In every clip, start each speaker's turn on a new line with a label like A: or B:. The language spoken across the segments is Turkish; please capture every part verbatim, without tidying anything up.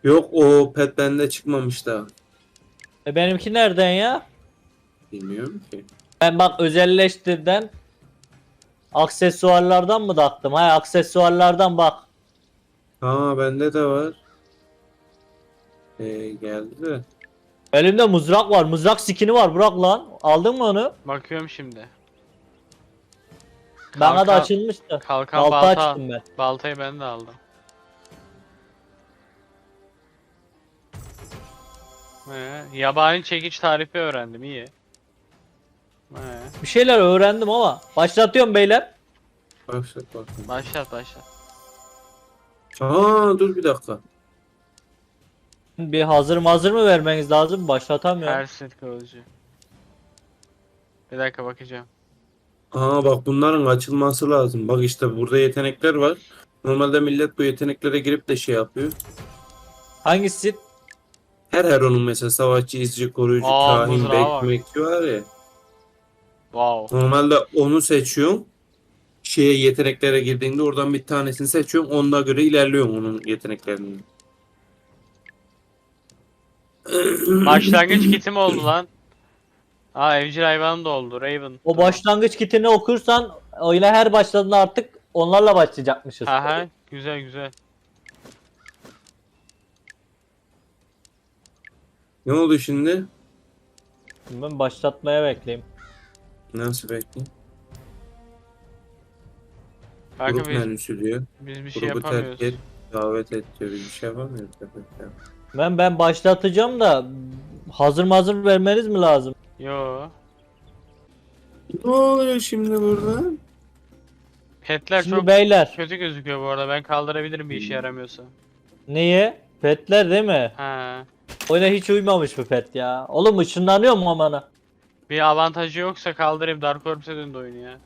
A: Yok, o pet bende çıkmamış daha.
B: E benimki nereden ya?
A: Bilmiyorum ki.
B: Ben bak özelleştirden aksesuarlardan mı taktım? Hay aksesuarlardan bak.
A: Ha, bende de var. Ee, geldi de.
B: Elimde mızrak var. Mızrak skini var. Bırak lan. Aldın mı onu?
C: Bakıyorum şimdi.
B: Bana da
C: Kalkan-
B: açılmıştı.
C: Kalkan
B: Balta
C: balta.
B: açtım ben.
C: Baltayı ben de aldım. He, yabani çekiç tarifi öğrendim, iyi. He,
B: Bir şeyler öğrendim ama. Başlatıyorum beyler.
A: Başlat bakayım.
C: başlat başlat.
A: Aa, dur bir dakika.
B: Bir hazır hazır mı vermeniz lazım? Başlatamıyorum.
C: Ersit kılıcı. Bir dakika bakacağım.
A: Aa, bak bunların açılması lazım. Bak işte burada yetenekler var. Normalde millet bu yeteneklere girip de şey yapıyor.
B: Hangisi?
A: Her her onun mesela savaşçı, izci, koruyucu,
C: Aa,
A: kahin,
C: mızrağı var.
A: bekmekçi var ya.
C: Wow.
A: Normalde onu seçiyorsun. Şeye yeteneklere girdiğinde oradan bir tanesini seçiyorsun. Onuna göre ilerliyorsun onun yeteneklerini.
C: Başlangıç kitim oldu lan. Aa, evcil hayvanım da oldu. Raven.
B: O başlangıç kitini okursan oyuna her başladığında artık onlarla başlayacakmışız.
C: Aha, güzel güzel.
A: Ne oldu şimdi?
B: Ben başlatmaya bekleyeyim.
A: Nasıl bekliyorsun?
C: Kanka
A: Grup
C: biz,
A: menüsü diyor.
C: biz bir şey
A: Grubu terk
C: yapamıyoruz.
A: et, davet et diyor. Biz bir şey yapamıyoruz. Efendim.
B: Ben ben başlatacağım da hazır hazır vermeniz mi lazım?
C: Yo.
A: Ne oluyor şimdi burada?
C: Petler
B: Şimdi
C: çok
B: beyler
C: kötü gözüküyor bu arada. Ben kaldırabilirim bir işe yaramıyorsa.
B: niye? Petler değil mi?
C: Ha.
B: Oyuna hiç uymamış bu pet ya. Oğlum ışınlanıyor mu amana?
C: Bir avantajı yoksa kaldırayım. Dark Orbs'e döndü oyun ya.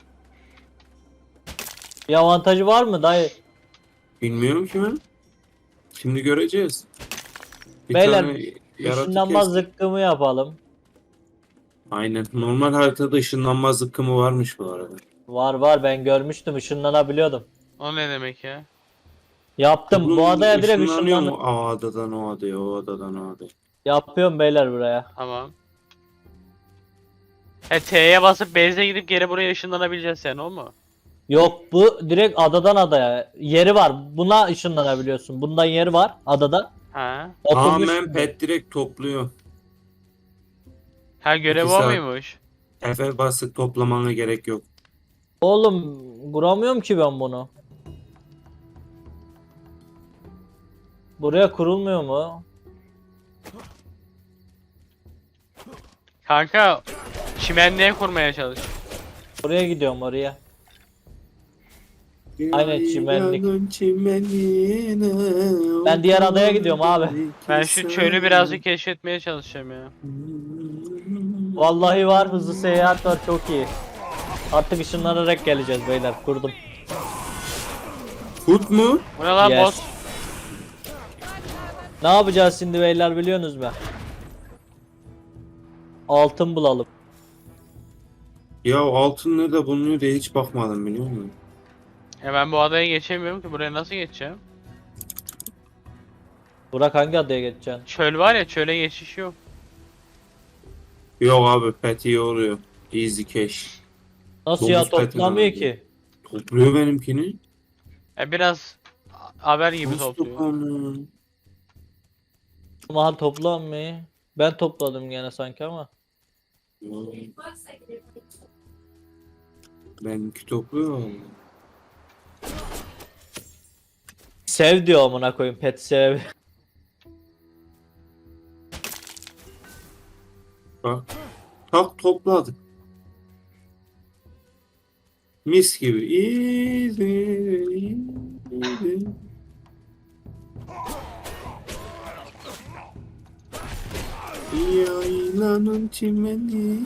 B: Bir avantajı var mı dayı?
A: Bilmiyorum ki ben. Şimdi göreceğiz. Bir
B: Beyler,
A: tane yaratık
B: Işınlanma
A: kestik.
B: zıkkımı yapalım.
A: Aynen. Normal haritada ışınlanma zıkkımı varmış bu arada.
B: Var var ben görmüştüm ışınlanabiliyordum.
C: O ne demek ya?
B: Yaptım bu adaya direkt
A: ışınlanıyor
B: ışınlandım.
A: mu? O adadan o adaya, o adadan o adaya.
B: Yapıyorum beyler buraya.
C: Tamam. He, T'ye basıp base'e gidip geri buraya ışınlanabileceğiz yani, o mu?
B: Yok bu direkt adadan adaya. Yeri var. Buna ışınlanabiliyorsun. Bundan yeri var adada.
C: Ha.
B: Oturmuş.
A: Tamamen pet direkt topluyor.
C: Ha, görev
A: İki
C: o
A: saat.
C: muymuş?
A: F basıp toplamana gerek yok.
B: Oğlum kuramıyorum ki ben bunu. Buraya kurulmuyor mu?
C: Kanka çimenliğe kurmaya çalış.
B: Oraya gidiyorum oraya. Aynen, çimenlik.
A: Yaylanın çimenine,
B: Ben diğer adaya gidiyorum abi.
C: Ben şu çölü birazcık keşfetmeye çalışacağım ya.
B: Vallahi var, hızlı seyahat var, çok iyi. Artık ışınlanarak geleceğiz beyler, kurdum.
A: Kurt mu?
C: Bu ne lan,
B: Yes.
C: boss?
B: Ne yapacağız şimdi beyler biliyorsunuz mu? Altın bulalım.
A: Ya altın nerede bulunuyor diye hiç bakmadım, biliyor musun?
C: Ya ben bu adaya geçemiyorum ki, buraya nasıl geçeceğim?
B: Burak hangi adaya geçeceksin?
C: Çöl var ya, çöle geçiş yok.
A: Yok abi, pet iyi oluyor. Easy cash.
B: Nasıl
A: Domuz
B: ya,
A: petini
B: toplamıyor
A: aldım.
B: ki?
A: Topluyor benimkini.
C: Ya biraz haber gibi
A: Nasıl
C: topluyor.
A: toplamıyor?
B: Aman toplanmıyor. Ben topladım gene sanki ama.
A: Benimki topluyor.
B: Sev diyor amına koyayım, pet sev.
A: Bak. Tak topladık. Mis gibi. Easy, easy. Yaylanın çimeni.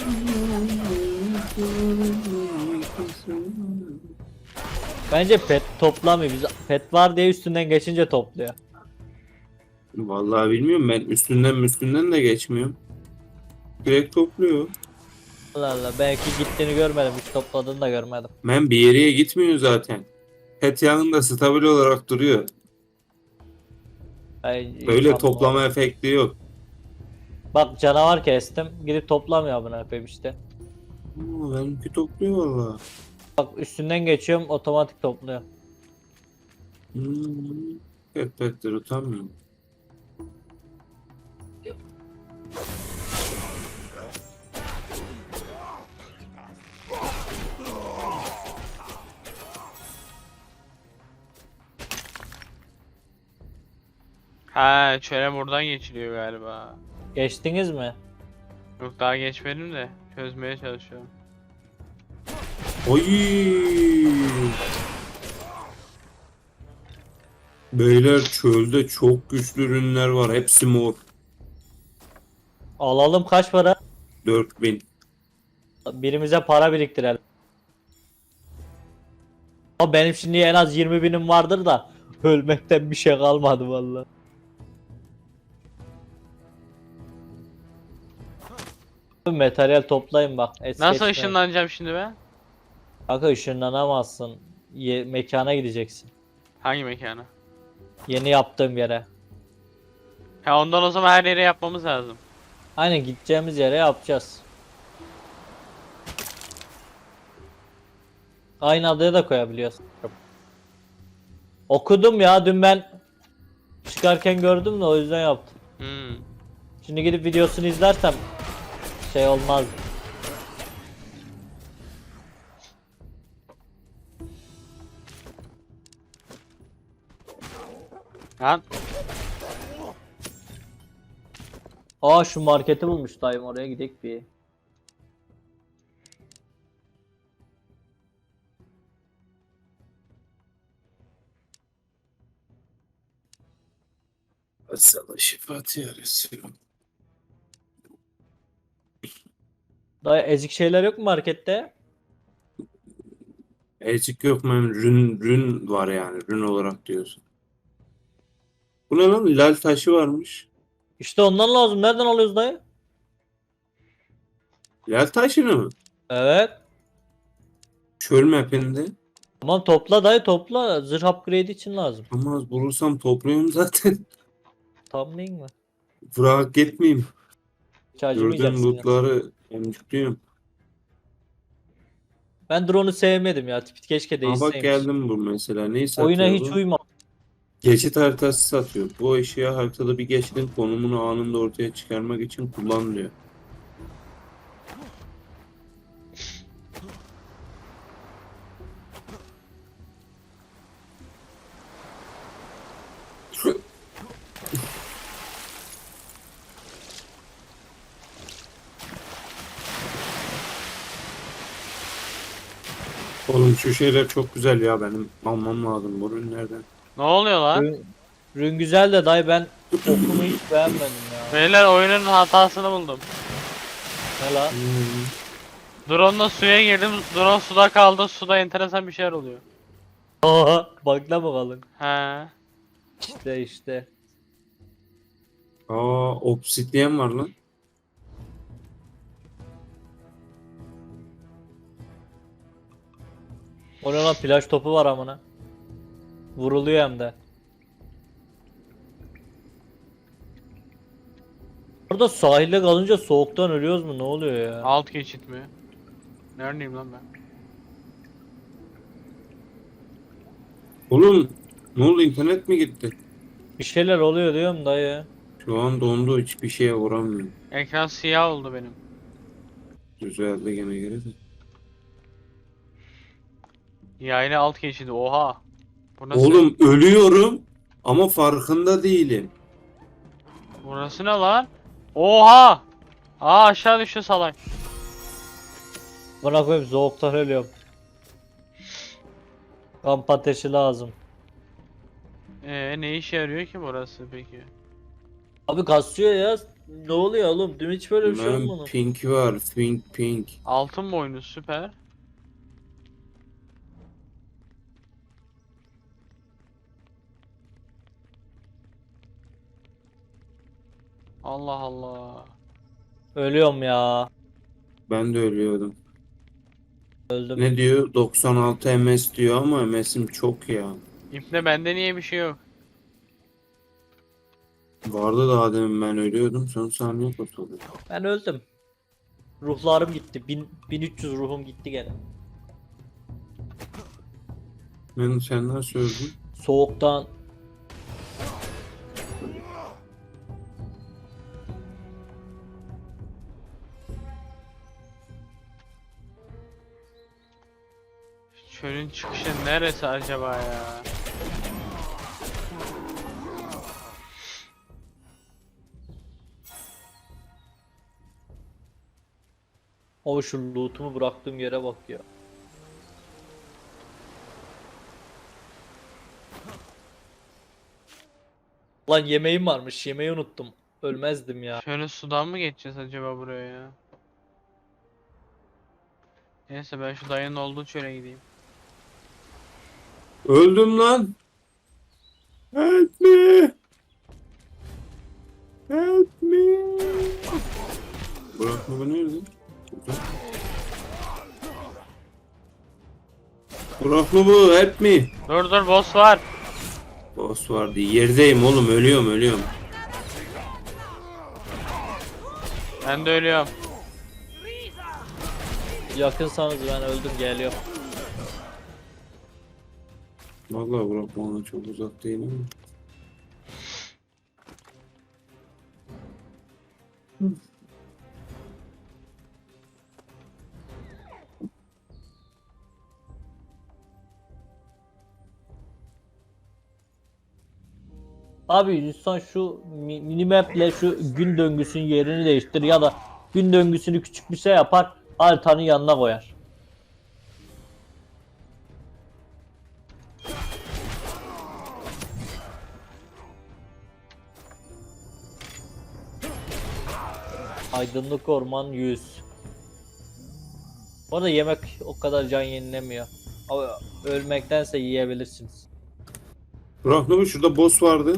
B: Bence pet toplamıyor. Biz pet var diye üstünden geçince topluyor.
A: Vallahi bilmiyorum, ben üstünden üstünden de geçmiyorum. Direkt topluyor.
B: Allah Allah, belki gittiğini görmedim, hiç topladığını da görmedim.
A: Ben bir yere gitmiyor zaten. Pet yanında stabil olarak duruyor.
B: Ay,
A: Böyle
B: inşallah.
A: toplama efekti yok.
B: Bak canavar kestim. Gidip toplamıyor bunu yapayım işte.
A: Aa, benimki topluyor valla.
B: Bak üstünden geçiyorum otomatik topluyor.
A: Hmm. Köpekler utanmıyor.
C: Ha, çöle buradan geçiliyor galiba.
B: Geçtiniz mi?
C: Yok daha geçmedim de çözmeye çalışıyorum.
A: Oy! Beyler çölde çok güçlü ürünler var. Hepsi mor.
B: Alalım kaç para?
A: dört bin.
B: Birimize para biriktirelim. Ama benim şimdi en az yirmi binim vardır da ölmekten bir şey kalmadı vallahi. Materyal toplayın bak. Es
C: Nasıl
B: geçmeyin.
C: ışınlanacağım şimdi ben?
B: Kanka ışınlanamazsın. Ye- mekana gideceksin.
C: Hangi mekana?
B: Yeni yaptığım yere.
C: Ha, ondan o zaman her yere yapmamız lazım.
B: Aynen gideceğimiz yere yapacağız. Aynı adaya da koyabiliyorsun. Okudum ya dün ben çıkarken gördüm de o yüzden yaptım.
C: Hmm.
B: Şimdi gidip videosunu izlersem şey olmaz.
C: Lan
B: Aa şu marketi bulmuş dayım oraya gidek bir.
A: Sana şifat ya Resulüm.
B: Dayı ezik şeyler yok mu markette?
A: Ecik yok mu? Rün, rün var yani. Rün olarak diyorsun. Bu ne lan? Lal taşı varmış.
B: İşte ondan lazım. Nereden alıyoruz dayı?
A: Lal taşını mı?
B: Evet.
A: Çöl mapinde.
B: Tamam topla dayı topla. Zırh upgrade için lazım.
A: Ama az bulursam topluyorum zaten.
B: Tam değil mi?
A: Bırak gitmeyeyim.
B: Hiç
A: Gördüğüm
B: acımayacaksın ya.
A: lootları emcikliyorum.
B: Ben drone'u sevmedim ya. Tipit keşke
A: Aa bak
B: değişseymiş.
A: geldim bu mesela. Neyi satıyor
B: Oyuna hiç
A: bu?
B: uyma.
A: Geçit haritası satıyor. Bu eşya haritada bir geçitin konumunu anında ortaya çıkarmak için kullanılıyor. Oğlum şu şeyler çok güzel ya, benim almam lazım bu ürünlerden.
C: ne oluyor lan?
B: Rün, rün güzel de dayı ben okunu hiç beğenmedim ya.
C: Beyler oyunun hatasını buldum.
B: Ne lan?
A: Hmm.
C: Drone'la suya girdim. Drone suda kaldı. Suda enteresan bir şeyler oluyor.
B: Aa, bakla mı kalın?
C: He.
B: İşte işte.
A: Aa obsidyen var lan.
B: O ne lan plaj topu var amına. Vuruluyor hem de. Orada sahilde kalınca soğuktan ölüyoruz mu? Ne oluyor ya?
C: Alt geçit mi? Neredeyim lan ben?
A: Oğlum ne oldu, internet mi gitti?
B: Bir şeyler oluyor diyorum dayı.
A: Şu an dondu, hiçbir şeye vuramıyorum.
C: Ekran siyah oldu benim.
A: Düzeldi gene geri de.
C: Yaylı alt geçidi. Oha. Bu nasıl?
A: Oğlum ölüyorum ama farkında değilim.
C: Burası ne lan? Oha! Aa aşağı düştü salak.
B: Bana koyayım soğuktan ölüyorum. Kamp ateşi lazım.
C: Ee ne işe yarıyor ki burası peki?
B: Abi kasıyor ya. Ne oluyor oğlum? Dün hiç böyle bir şey
A: Ben
B: olmadı.
A: pink var, pink pink.
C: Altın boynu süper. Allah Allah.
B: Ölüyorum ya.
A: Ben de ölüyordum.
B: Öldüm.
A: Ne diyor? doksan altı M S diyor ama M S'im çok ya.
C: İpne bende niye bir şey yok?
A: Vardı da demin ben ölüyordum. Son saniye kurtuldum.
B: Ben öldüm. Ruhlarım gitti. Bin, bin üç yüz ruhum gitti gene.
A: Ben sen nasıl öldün?
B: Soğuktan.
C: Çölün çıkışı neresi acaba ya?
B: O şu lootumu bıraktığım yere bak ya. Lan yemeğim varmış. Yemeği unuttum. Ölmezdim ya.
C: Şöyle sudan mı geçeceğiz acaba buraya ya? Neyse ben şu dayının olduğu çöle gideyim.
A: Öldüm lan. Help me. Help me. Bırakma beni nerede? Bırakma bu. Help me.
C: Dur dur boss var.
A: Boss vardı. Yerdeyim oğlum. Ölüyorum ölüyorum.
C: Ben de ölüyorum.
B: Yakınsanız ben öldüm geliyorum.
A: Vallahi bırakma ona çok uzak değil ama.
B: Abi lütfen şu mi- minimaple şu gün döngüsünün yerini değiştir ya da gün döngüsünü küçük bir şey yapar haritanın yanına koyar. Aydınlık orman yüz. Bu arada yemek o kadar can yenilemiyor. Ama ölmektense yiyebilirsiniz.
A: Bırakma bu. Şurada boss vardı.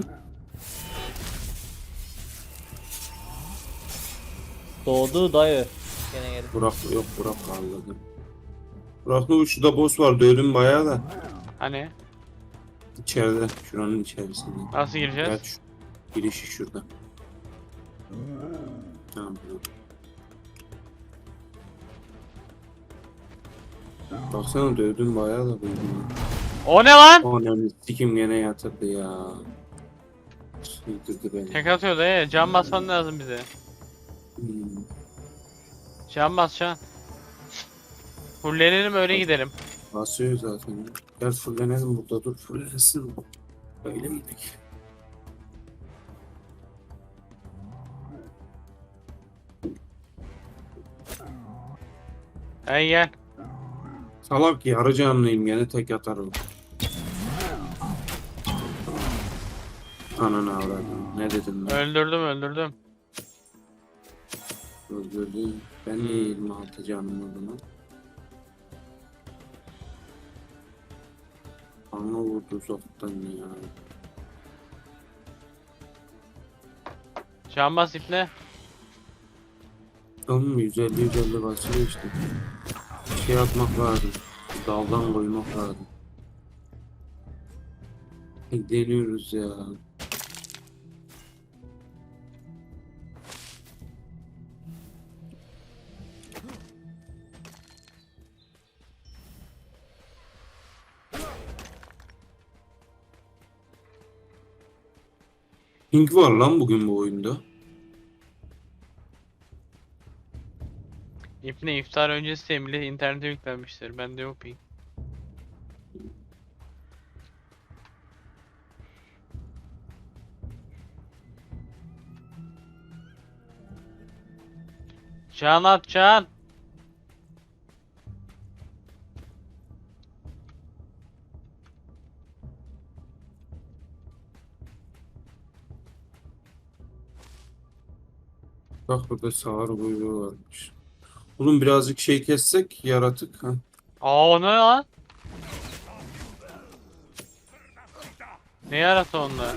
B: Doğdu dayı. Gene geldi.
A: Burak yok Burak anladım. Burak bu şurada boss vardı. Ölüm bayağı da.
C: Hani?
A: İçeride. Şuranın içerisinde.
C: Nasıl gireceğiz?
A: Evet, şu girişi şurada. Tamam. Baksana dövdüm bayağı da buldum.
C: O ne lan?
A: Ananı sikim gene yatırdı ya. Yıldırdı beni.
C: Tek atıyor dayı. Can basman lazım bize.
A: Hmm.
C: Can bas can. Fullenelim öyle gidelim.
A: Basıyor zaten. Gel fullenelim burada dur fullenesin. Öyle miydik?
C: Hey gel.
A: Salak yarı canlıyım gene tek atarım. Ananı avradım. Ne dedim ben?
C: Öldürdüm öldürdüm.
A: Öldürdüm. Ben niye yirmi altı canım o zaman? Bana vurdu uzaktan ya.
C: Can bas iple.
A: Tamam yüz elli yüz elli basıyor işte. Şey atmak lazım. Daldan koymak lazım. Deniyoruz ya. Pink var lan bugün bu oyunda.
C: İpne iftar öncesi emri internete yüklenmiştir. Bende yok ping. Can at can.
A: Bak burada sağır kuyruğu varmış. Oğlum birazcık şey kessek yaratık ha.
C: Aa o ne lan? Ne yarası onda?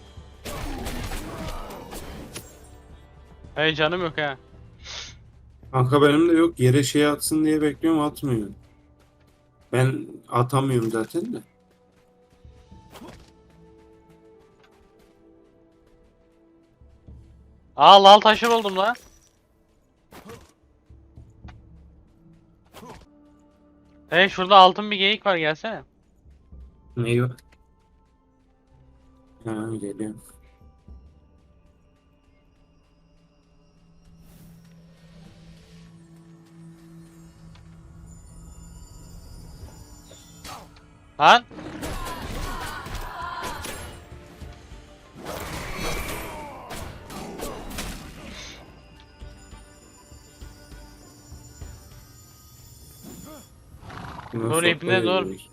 C: Hey canım yok ha.
A: Kanka benim de yok. Yere şey atsın diye bekliyorum, atmıyor. Ben atamıyorum zaten de.
C: Aa lal taşı buldum lan. Hey şurada altın bir geyik var gelsene.
A: Neyi var? Ha, geliyorum.
C: Lan.
A: Buna
C: Dur, ipne
A: sopayla
C: dur.
A: girdik.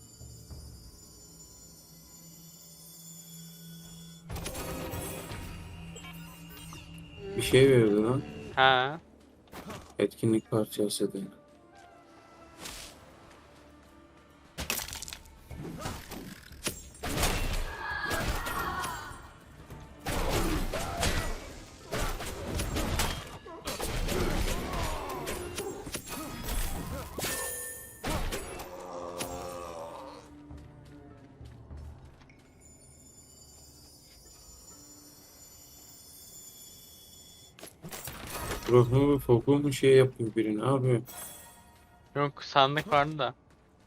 A: Bir şey verdi lan.
C: Ha.
A: Etkinlik parçası da. Ruhu mu foku mu şey yapıyor biri, ne yapıyor?
C: Yok sandık vardı da.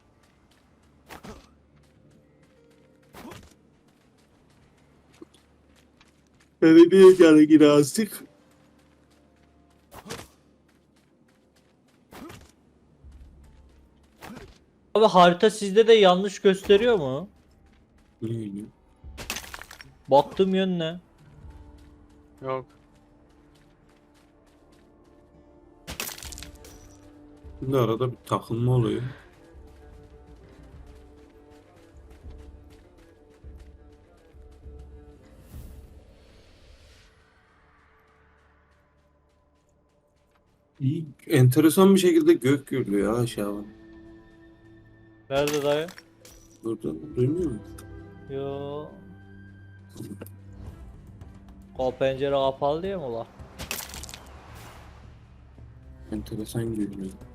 A: Beni niye geldi yine azıcık?
B: Abi harita sizde de yanlış gösteriyor mu?
A: Neydi?
B: Baktığım yön ne?
C: Yok.
A: Şimdi arada bir takılma oluyor. İyi, enteresan bir şekilde gök gürlüyor ha aşağıdan.
B: Nerede dayı?
A: Burada duymuyor musun?
B: Yo. O pencere kapalı diye mi ulan?
A: Enteresan gürlüyor.